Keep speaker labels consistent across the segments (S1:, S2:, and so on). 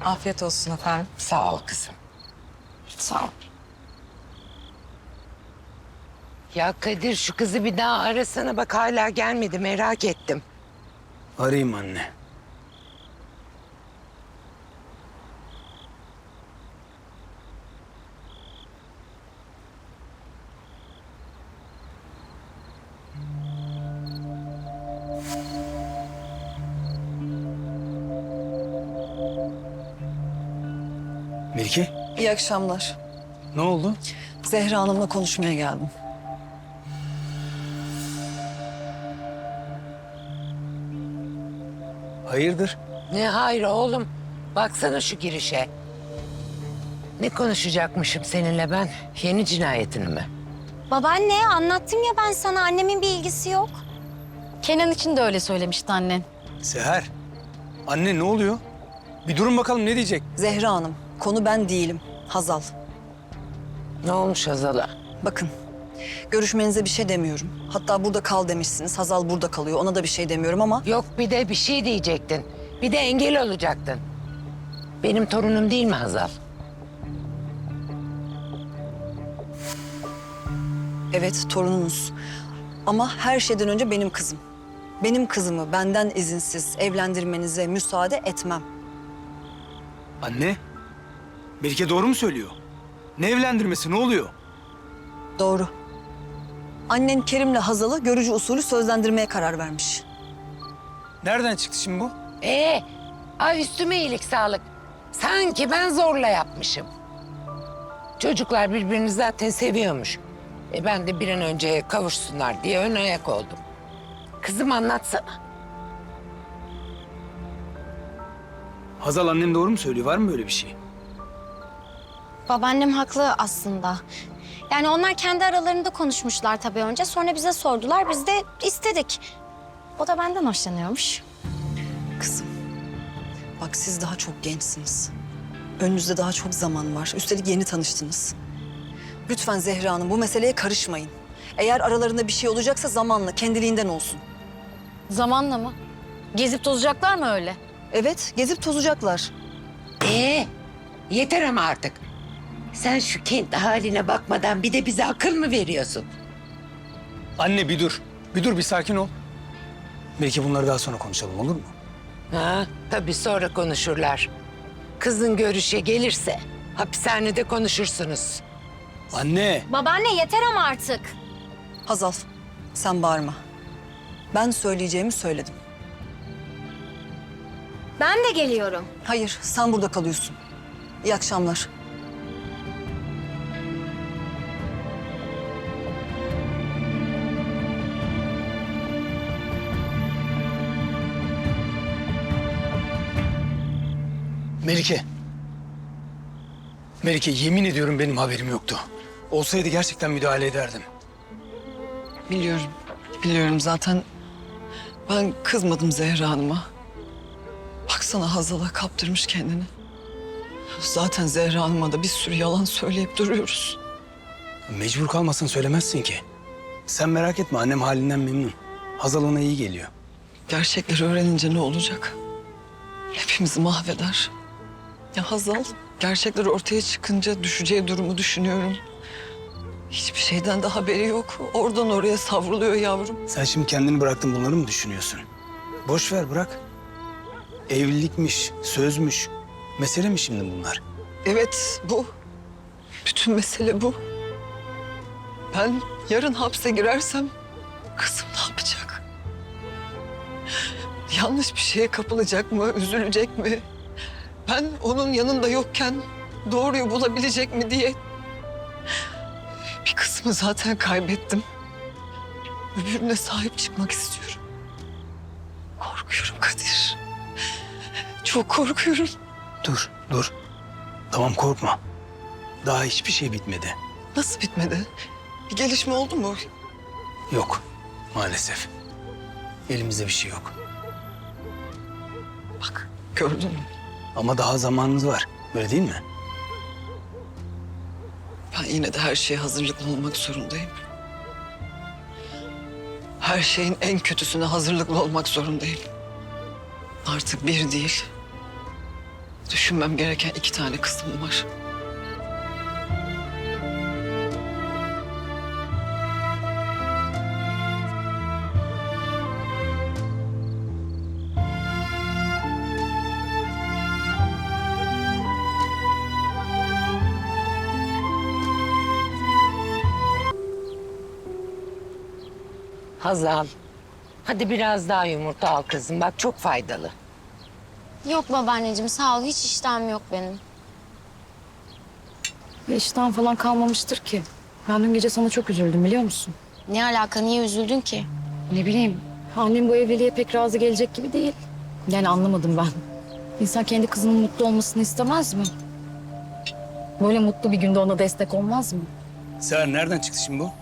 S1: Afiyet olsun efendim.
S2: Sağ ol kızım. Sağ ol. Ya Kadir şu kızı bir daha arasana bak hala gelmedi merak ettim.
S3: Arayayım anne. Melike,
S1: İyi akşamlar.
S3: ne oldu?
S1: Zehra Hanım'la konuşmaya geldim.
S3: Hayırdır?
S2: Ne hayır oğlum. Baksana şu girişe. Ne konuşacakmışım seninle ben? Yeni cinayetini mi?
S4: Babaanne anlattım ya ben sana annemin bir ilgisi yok.
S5: Kenan için de öyle söylemişti annen.
S3: Seher, anne ne oluyor? Bir durun bakalım ne diyecek?
S1: Zehra Hanım, konu ben değilim. Hazal.
S2: Ne olmuş Hazal'a?
S1: Bakın, görüşmenize bir şey demiyorum. Hatta burada kal demişsiniz. Hazal burada kalıyor. Ona da bir şey demiyorum ama...
S2: Yok bir de bir şey diyecektin. Bir de engel olacaktın. Benim torunum değil mi Hazal?
S1: Evet, torununuz. Ama her şeyden önce benim kızım. Benim kızımı benden izinsiz evlendirmenize müsaade etmem.
S3: Anne, Melike doğru mu söylüyor? Ne evlendirmesi, ne oluyor?
S1: Doğru. Annen Kerim'le Hazal'ı görücü usulü sözlendirmeye karar vermiş.
S3: Nereden çıktı şimdi bu?
S2: Ay üstüme iyilik sağlık. Sanki ben zorla yapmışım. Çocuklar birbirini zaten seviyormuş. Ben de bir an önce kavuşsunlar diye ön ayak oldum. Kızım anlatsana.
S3: Hazal annem doğru mu söylüyor? Var mı böyle bir şey?
S4: Babaannem haklı aslında. Yani onlar kendi aralarında konuşmuşlar tabii önce. Sonra bize sordular, biz de istedik. O da benden hoşlanıyormuş.
S1: Kızım, bak siz daha çok gençsiniz. Önünüzde daha çok zaman var. Üstelik yeni tanıştınız. Lütfen Zehra Hanım bu meseleye karışmayın. Eğer aralarında bir şey olacaksa zamanla, kendiliğinden olsun.
S5: Zamanla mı? Gezip tozacaklar mı öyle?
S1: Evet, gezip tozacaklar.
S2: Yeter ama artık. Sen şu kendi haline bakmadan bir de bize akıl mı veriyorsun?
S3: Anne bir dur. Bir dur, bir sakin ol. Belki bunları daha sonra konuşalım, olur mu?
S2: Ha, tabii sonra konuşurlar. Kızın görüşe gelirse hapishanede konuşursunuz.
S3: Anne!
S4: Babaanne yeter ama artık.
S1: Hazal, sen bağırma. Ben söyleyeceğimi söyledim.
S4: Ben de geliyorum.
S1: Hayır, sen burada kalıyorsun. İyi akşamlar.
S3: Melike. Melike yemin ediyorum benim haberim yoktu. Olsaydı gerçekten müdahale ederdim.
S1: Biliyorum, biliyorum zaten ben kızmadım Zehra Hanım'a. Baksana Hazal'a kaptırmış kendini. Zaten Zehra Hanım'a da bir sürü yalan söyleyip duruyoruz.
S3: Mecbur kalmasan söylemezsin ki. Sen merak etme, annem halinden memnun. Hazal ona iyi geliyor.
S1: Gerçekleri öğrenince ne olacak? Hepimizi mahveder. Ya Hazal, gerçekler ortaya çıkınca düşeceği durumu düşünüyorum. Hiçbir şeyden de haberi yok. Oradan oraya savruluyor yavrum.
S3: Sen şimdi kendini bıraktın, bunları mı düşünüyorsun? Boş ver, bırak. Evlilikmiş, sözmüş. Mesele mi şimdi bunlar?
S1: Evet, bu. Bütün mesele bu. Ben yarın hapse girersem kızım ne yapacak? Yanlış bir şeye kapılacak mı, üzülecek mi? Ben onun yanında yokken doğruyu bulabilecek mi diye bir kısmı zaten kaybettim. Öbürüne sahip çıkmak istiyorum. Korkuyorum Kadir. Çok korkuyorum.
S3: Dur, dur. Tamam, korkma. Daha hiçbir şey bitmedi.
S1: Nasıl bitmedi? Bir gelişme oldu mu?
S3: Yok, maalesef. Elimizde bir şey yok.
S1: Bak, gördün mü?
S3: Ama daha zamanımız var. Öyle değil mi?
S1: Ben yine de her şeye hazırlıklı olmak zorundayım. Her şeyin en kötüsüne hazırlıklı olmak zorundayım. Artık bir değil, Düşünmem gereken 2 tane kızım var.
S2: Hazal, hadi biraz daha yumurta al kızım. Bak çok faydalı.
S4: Yok babaanneciğim sağ ol hiç iştahım yok benim.
S5: İştahın falan kalmamıştır ki. Ben dün gece sana çok üzüldüm biliyor musun?
S4: Ne alaka niye üzüldün ki?
S5: Ne bileyim. Annem bu evliliğe pek razı gelecek gibi değil. Yani anlamadım ben. İnsan kendi kızının mutlu olmasını istemez mi? Böyle mutlu bir günde ona destek olmaz mı?
S3: Seher nereden çıktı şimdi bu?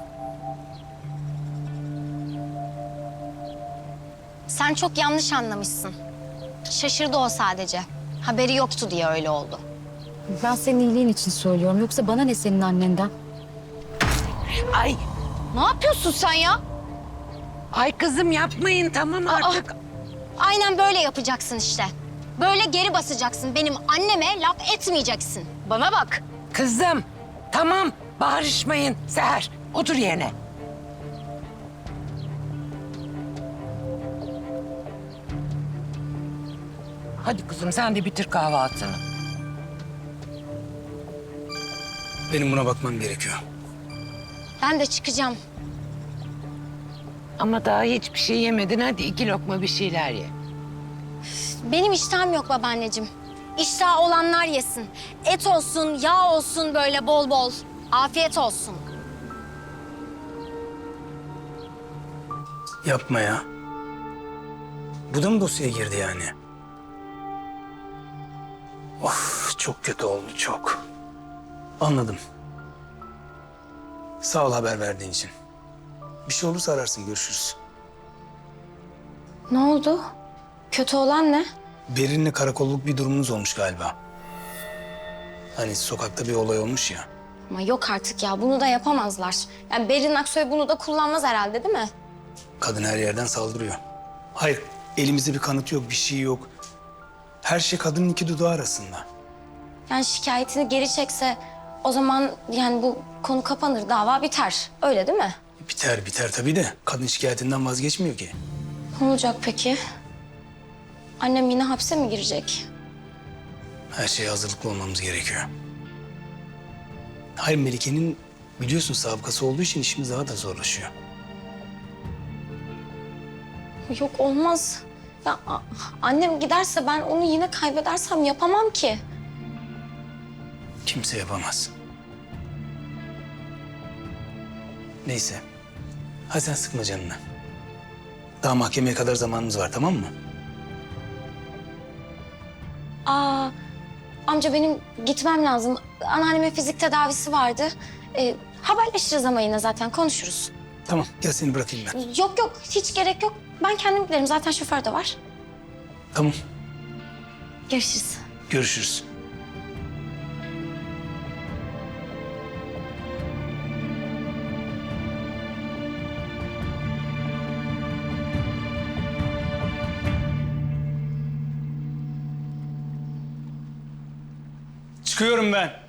S4: Sen çok yanlış anlamışsın. Şaşırdı o sadece. Haberi yoktu diye öyle oldu.
S5: Ben senin iyiliğin için söylüyorum. Yoksa bana ne senin annenden?
S2: Ay,
S4: Ne yapıyorsun sen ya?
S2: ay kızım yapmayın tamam artık.
S4: Aynen böyle yapacaksın işte. Böyle geri basacaksın. Benim anneme laf etmeyeceksin. Bana bak.
S2: Kızım, tamam bağırışmayın. Seher, otur yerine. Hadi kızım sen de bitir kahvaltını.
S3: Benim buna bakmam gerekiyor.
S4: Ben de çıkacağım.
S2: Ama daha hiçbir şey yemedin. Hadi 2 lokma bir şeyler ye.
S4: Benim iştahım yok babaanneciğim. İştahı olanlar yesin. Et olsun, yağ olsun böyle bol bol. Afiyet olsun.
S3: Yapma ya. Bu da mı dosyaya girdi yani? Of çok kötü oldu çok. Anladım. Sağ ol haber verdiğin için. Bir şey olursa ararsın görüşürüz.
S4: Ne oldu? Kötü olan ne?
S3: Berin'le karakolluk bir durumunuz olmuş galiba. Hani sokakta bir olay olmuş ya.
S4: Ama yok artık ya bunu da yapamazlar. Yani Berin Aksoy bunu da kullanmaz herhalde değil mi?
S3: Kadın her yerden saldırıyor. Hayır elimizde bir kanıt yok bir şey yok. Her şey kadının 2 dudağı arasında.
S4: Yani şikayetini geri çekse o zaman yani bu konu kapanır, dava biter. Öyle değil mi?
S3: Biter biter tabii de kadın şikayetinden vazgeçmiyor ki.
S4: Ne olacak peki? Annem yine hapse mi girecek?
S3: Her şeye hazırlıklı olmamız gerekiyor. Hayır Melike'nin biliyorsun sabıkası olduğu için işimiz daha da zorlaşıyor.
S4: Yok olmaz. Ya annem giderse ben onu yine kaybedersem yapamam ki.
S3: Kimse yapamaz. Neyse. Hadi sen sıkma canını. Daha mahkemeye kadar zamanımız var tamam mı?
S4: Aa, amca benim gitmem lazım. Anneannemin fizik tedavisi vardı. Haberleşiriz ama yine zaten konuşuruz.
S3: Tamam gel seni bırakayım ben.
S4: Yok yok hiç gerek yok. Ben kendim giderim zaten şoför de var.
S3: Tamam
S4: Görüşürüz.
S3: görüşürüz. Çıkıyorum ben.